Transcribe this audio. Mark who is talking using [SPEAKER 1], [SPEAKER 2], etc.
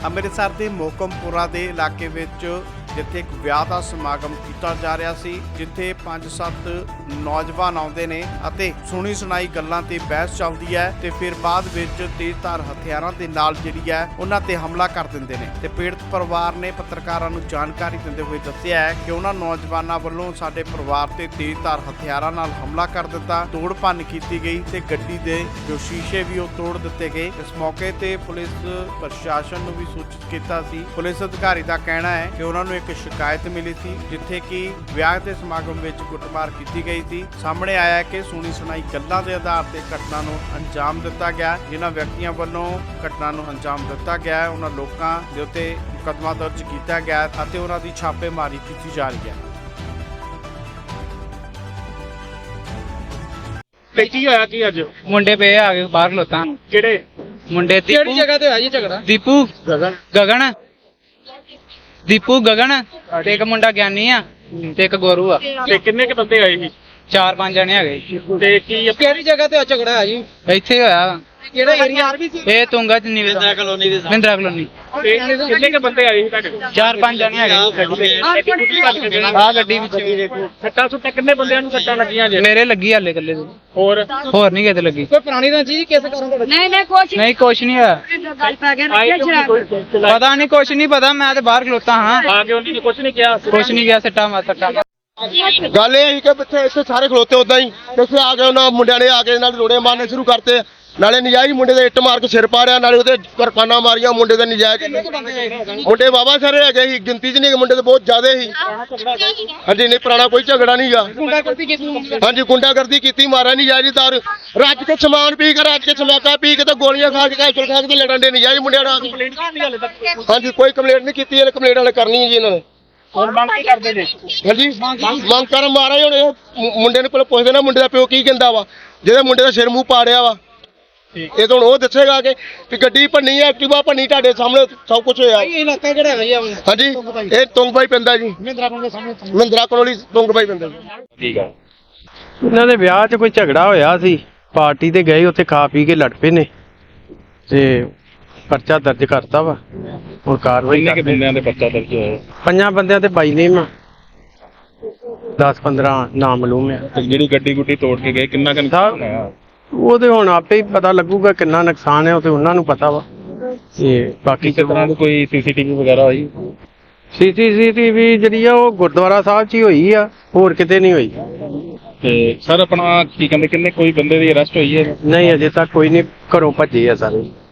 [SPEAKER 1] ਅੰਮ੍ਰਿਤਸਰ ਦੇ ਮੋਕਮਪੁਰਾ ਦੇ ਇਲਾਕੇ ਵਿੱਚ ਜਿੱਥੇ ਇੱਕ ਵਿਆਹ ਦਾ ਸਮਾਗਮ ਕੀਤਾ ਜਾ ਰਿਹਾ ਸੀ, ਜਿੱਥੇ 5-7 ਨੌਜਵਾਨ ਆਉਂਦੇ ਨੇ ਅਤੇ ਸੁਣੀ ਸੁਣਾਈ ਗੱਲਾਂ ਤੇ ਬਹਿਸ ਚੱਲਦੀ ਹੈ ਤੇ ਫਿਰ ਬਾਅਦ ਵਿੱਚ ਤੇਜ਼ਧਾਰ ਹਥਿਆਰਾਂ ਦੇ ਨਾਲ ਜਿਹੜੀ ਹੈ ਉਹਨਾਂ ਤੇ ਹਮਲਾ ਕਰ ਦਿੰਦੇ ਨੇ ਤੇ ਪੀੜਤ ਪਰਿਵਾਰ ਨੇ ਪੱਤਰਕਾਰਾਂ ਨੂੰ ਜਾਣਕਾਰੀ ਦਿੰਦੇ ਹੋਏ ਦੱਸਿਆ ਹੈ ਕਿ ਉਹਨਾਂ ਨੌਜਵਾਨਾਂ ਵੱਲੋਂ ਸਾਡੇ ਪਰਿਵਾਰ ਤੇ ਤੇਜ਼ਧਾਰ ਹਥਿਆਰਾਂ ਨਾਲ ਹਮਲਾ ਕਰ ਦਿੱਤਾ, ਤੋੜ ਭੰਨ ਕੀਤੀ ਗਈ ਤੇ ਗੱਡੀ ਦੇ ਜੋ ਸ਼ੀਸ਼ੇ ਵੀ ਉਹ ਤੋੜ ਦਿੱਤੇ ਗਏ। ਇਸ ਮੌਕੇ ਤੇ ਪੁਲਿਸ ਪ੍ਰਸ਼ਾਸਨ ਨੂੰ ਵੀ ਸੂਚਿਤ ਕੀਤਾ ਸੀ। ਪੁਲਿਸ ਅਧਿਕਾਰੀ ਦਾ ਕਹਿਣਾ ਹੈ ਕਿ ਉਹਨਾਂ ਨੂੰ ਇੱਕ ਸ਼ਿਕਾਇਤ ਮਿਲੀ ਸੀ ਜਿੱਥੇ ਕਿ ਵਿਆਹ ਦੇ ਸਮਾਗਮ ਵਿੱਚ ਕੁੱਟਮਾਰ ਕੀਤੀ ਗਈ ਸੀ। ਸਾਹਮਣੇ ਆਇਆ ਕਿ ਸੁਣੀ ਸੁਣਾਈ ਗੱਲਾਂ ਦੇ ਆਧਾਰ ਤੇ ਘਟਨਾ ਨੂੰ ਅੰਜਾਮ ਦਿੱਤਾ ਗਿਆ। ਜਿਨ੍ਹਾਂ ਵਿਅਕਤੀਆਂ ਵੱਲੋਂ ਘਟਨਾ ਨੂੰ ਅੰਜਾਮ ਦਿੱਤਾ ਗਿਆ ਉਹਨਾਂ ਲੋਕਾਂ ਦੇ ਉੱਤੇ ਮੁਕੱਦਮਾ ਦਰਜ ਕੀਤਾ ਗਿਆ ਅਤੇ ਉਹਨਾਂ ਦੀ ਛਾਪੇਮਾਰੀ ਕੀਤੀ ਜਾ ਰਹੀ ਹੈ।
[SPEAKER 2] ਤੇ ਕੀ ਹੋਇਆ ਕੀ ਅੱਜ?
[SPEAKER 3] ਮੁੰਡੇ ਪਏ ਆ ਗਏ ਬਾਹਰ ਖਲੋਤਾ।
[SPEAKER 2] ਕਿਹੜੇ
[SPEAKER 3] ਮੁੰਡੇ
[SPEAKER 2] ਕਿਹੜੀ ਜਗ੍ਹਾ ਤੇ ਹੋਇਆ ਜੀ ਝਗੜਾ?
[SPEAKER 3] ਦੀਪੂ ਗਗਨ ਤੇ ਇੱਕ ਮੁੰਡਾ ਗਿਆਨੀ ਆ ਤੇ ਇੱਕ ਗੋਰੂ ਆ।
[SPEAKER 2] ਤੇ ਕਿੰਨੇ ਕ ਬੰਦੇ ਆਏ ਸੀ?
[SPEAKER 3] 4-5 ਜਣੇ ਹੈਗੇ।
[SPEAKER 2] ਤੇ ਕੀ ਕਿਹੜੀ ਜਗ੍ਹਾ ਤੇ ਝਗੜਾ ਹੋਇਆ ਜੀ?
[SPEAKER 3] ਇੱਥੇ ਹੋਇਆ
[SPEAKER 2] ਕਿਹੜਾ ਏਰੀਆ?
[SPEAKER 3] ਇਹ ਤੁੰਗਾ ਚ ਮਹਿੰਦਰਾ ਕਲੋਨੀ।
[SPEAKER 2] ਤੇ ਕਿੰਨੇ ਕ ਬੰਦੇ ਆਏ ਸੀ ਤੁਹਾਡੇ ਕੋਲ?
[SPEAKER 3] 4-5 ਜਣੇ ਹੈਗੇ। ਆ ਗੱਡੀ ਵਿੱਚ
[SPEAKER 2] ਸੱਟਾਂ ਸੁੱਟਾਂ ਕਿੰਨੇ ਬੰਦਿਆਂ ਨੂੰ ਸੱਟਾਂ ਲੱਗੀਆਂ ਜੇ?
[SPEAKER 3] ਮੇਰੇ ਲੱਗੀ ਹਾਲੇ ਇਕੱਲੇ ਦੇ।
[SPEAKER 2] ਹੋਰ
[SPEAKER 3] ਨਹੀਂ ਕਿਤੇ ਲੱਗੀ।
[SPEAKER 2] ਕੋਈ ਪੁਰਾਣੀ ਤਾਂ ਚੀਜ਼ ਕਿਸ ਕਾਰਨ ਤੁਹਾਡੇ?
[SPEAKER 3] ਨਹੀਂ ਕੁਛ ਨਹੀਂ ਹੋਇਆ। ਪਤਾ ਨਹੀਂ ਕੁਛ ਨਹੀਂ ਪਤਾ। ਮੈਂ ਤੇ ਬਾਹਰ ਖਲੋਤਾ ਹਾਂ।
[SPEAKER 2] ਆ ਕੇ ਉਹਨੇ ਕੁਝ ਨਹੀਂ ਕਿਹਾ?
[SPEAKER 3] ਕੁਛ ਨਹੀਂ ਗਿਆ। ਸੱਟਾਂ
[SPEAKER 4] ਗੱਲ ਇਹ ਸੀ ਕਿ ਇੱਥੇ ਸਾਰੇ ਖਲੋਤੇ ਉਦਾਂ ਹੀ ਇੱਥੇ ਆ ਕੇ ਉਹਨਾਂ ਮੁੰਡਿਆਂ ਨੇ ਆ ਕੇ ਨਾਲ ਰੋੜੇ ਮਾਰਨੇ ਸ਼ੁਰੂ ਕਰਤੇ। ਨਾਲੇ ਨਜਾਇਜ਼ ਮੁੰਡੇ ਦੇ ਇੱਟ ਮਾਰ ਕੇ ਸਿਰ ਪਾੜਿਆ, ਨਾਲੇ ਉਹਦੇ ਕਿਰਪਾਨਾਂ ਮਾਰੀਆਂ ਮੁੰਡੇ ਦੇ ਨਜਾਇਜ਼। ਮੁੰਡੇ ਬਾਬਾ ਸਾਰੇ ਹੈਗੇ ਸੀ, ਗਿਣਤੀ 'ਚ ਨਹੀਂ, ਮੁੰਡੇ ਤੇ ਬਹੁਤ ਜ਼ਿਆਦਾ ਸੀ। ਹਾਂਜੀ ਨਹੀਂ ਪੁਰਾਣਾ ਕੋਈ ਝਗੜਾ ਨਹੀਂਗਾ। ਹਾਂਜੀ ਗੁੰਡਾਗਰਦੀ ਕੀਤੀ, ਮਾਰਿਆ ਨਜਾਇਜ਼ ਦਾਰੂ ਰੱਜ ਕੇ ਸਮਾਨ ਪੀ ਕੇ ਰੱਜ ਕੇ ਸਮੈਕਾ ਪੀ ਕੇ ਤੇ ਗੋਲੀਆਂ ਖਾ ਕੇ ਕੈਚਲ ਖਾ ਕੇ ਤੇ ਲੜਨ ਦੇ ਨਜਾਇਜ਼ ਮੁੰਡਿਆਂ ਨਾਲ। ਹਾਂਜੀ ਕੋਈ ਕੰਪਲੇਂਟ ਨਹੀਂ ਕੀਤੀ, ਇਹਨੇ ਕੰਪਲੇਂਟ ਵਾਲੇ ਕਰਨੀ ਹੈ ਜੀ ਇਹਨਾਂ ਨੇ।
[SPEAKER 2] ਹੁਣ ਮੰਗ ਕੀ ਕਰਦੇ ਨੇ?
[SPEAKER 4] ਹਾਂਜੀ ਮੰਗ ਕਰਨ ਮਾਰਾ ਹੁਣ ਇਹ ਮੁੰਡੇ ਨੂੰ ਪਹਿਲਾਂ ਪੁੱਛਦੇ ਨਾ ਮੁੰਡੇ ਦਾ ਪਿਓ ਕੀ ਕਹਿੰਦਾ ਵਾ, ਜਿਹਦੇ ਮੁੰਡੇ ਦਾ ਸਿਰ ਮੂੰਹ ਪਾੜਿਆ ਵਾ। ਇਹ ਤਾਂ ਹੁਣ ਉਹ ਦੱਸੇਗਾ ਕਿ ਗੱਡੀ ਭੰਨੀ ਹੈ, ਐਕਟਿਵਾ ਭੰਨੀ, ਤੁਹਾਡੇ ਸਾਹਮਣੇ ਸਭ ਕੁਝ ਹੋਇਆ।
[SPEAKER 2] ਇਲਾਕਾ ਕਿਹੜਾ ਹੈ ਜੀ?
[SPEAKER 4] ਹਾਂਜੀ ਇਹ ਤੁੰਗਬਾਈ ਪੈਂਦਾ ਜੀ, ਮਹਿੰਦਰਾ ਕੋਲੋਂ ਤੁੰਗਬਾਈ ਪੈਂਦਾ ਜੀ।
[SPEAKER 2] ਠੀਕ ਆ।
[SPEAKER 5] ਇਹਨਾਂ ਦੇ ਵਿਆਹ 'ਚ ਕੋਈ ਝਗੜਾ ਹੋਇਆ ਸੀ, ਪਾਰਟੀ ਤੇ ਗਏ, ਉੱਥੇ ਖਾ ਪੀ ਕੇ ਲੜ ਪਏ ਨੇ ਤੇ ਪਰਚਾ ਦਰਜ ਕਰਤਾ ਵਾ। ਹੁਣ ਕਾਰਵਾਈ
[SPEAKER 2] ਕਿੰਨੇ ਬੰਦਿਆਂ ਦੇ ਪਰਚਾ ਦਰਜ ਹੋਇਆ?
[SPEAKER 5] 5 ਬੰਦਿਆਂ ਤੇ ਬਾਈ ਨੇਮ ਆ, 10-15 ਨਾਮਲੂਮ ਆ।
[SPEAKER 2] ਜਿਹੜੀ ਗੱਡੀ ਗੁੱਡੀ ਤੋੜ ਕੇ ਗਏ ਕਿੰਨਾ ਕੁ ਹੋਇਆ?
[SPEAKER 5] ਉਹਦੇ ਹੁਣ ਆਪੇ ਹੀ ਪਤਾ ਲੱਗੂਗਾ ਕਿੰਨਾ ਨੁਕਸਾਨ ਹੈ, ਉਹ ਤੇ ਉਹਨਾਂ ਨੂੰ ਪਤਾ ਵਾ। ਤੇ ਬਾਕੀ
[SPEAKER 2] ਕਿਸੇ ਤਰ੍ਹਾਂ ਦੀ ਕੋਈ ਸੀਸੀਟੀਵੀ ਵਗੈਰਾ ਹੋਈ?
[SPEAKER 5] ਸੀਸੀਟੀਵੀ ਜਿਹੜੀ ਆ ਉਹ ਗੁਰਦੁਆਰਾ ਸਾਹਿਬ 'ਚ ਹੀ ਹੋਈ ਆ, ਹੋਰ ਕਿਤੇ ਨਹੀਂ ਹੋਈ।
[SPEAKER 2] ਤੇ ਸਰ ਆਪਣਾ ਕੀ ਕਹਿੰਦੇ ਕਿੰਨੇ ਕੋਈ ਬੰਦੇ ਦੀ ਅਰੈਸਟ ਹੋਈ ਹੈ?
[SPEAKER 5] ਨਹੀਂ ਅਜੇ ਤੱਕ ਕੋਈ ਨਹੀਂ, ਘਰੋਂ ਭੱਜੇ ਆ ਸਾਰੇ।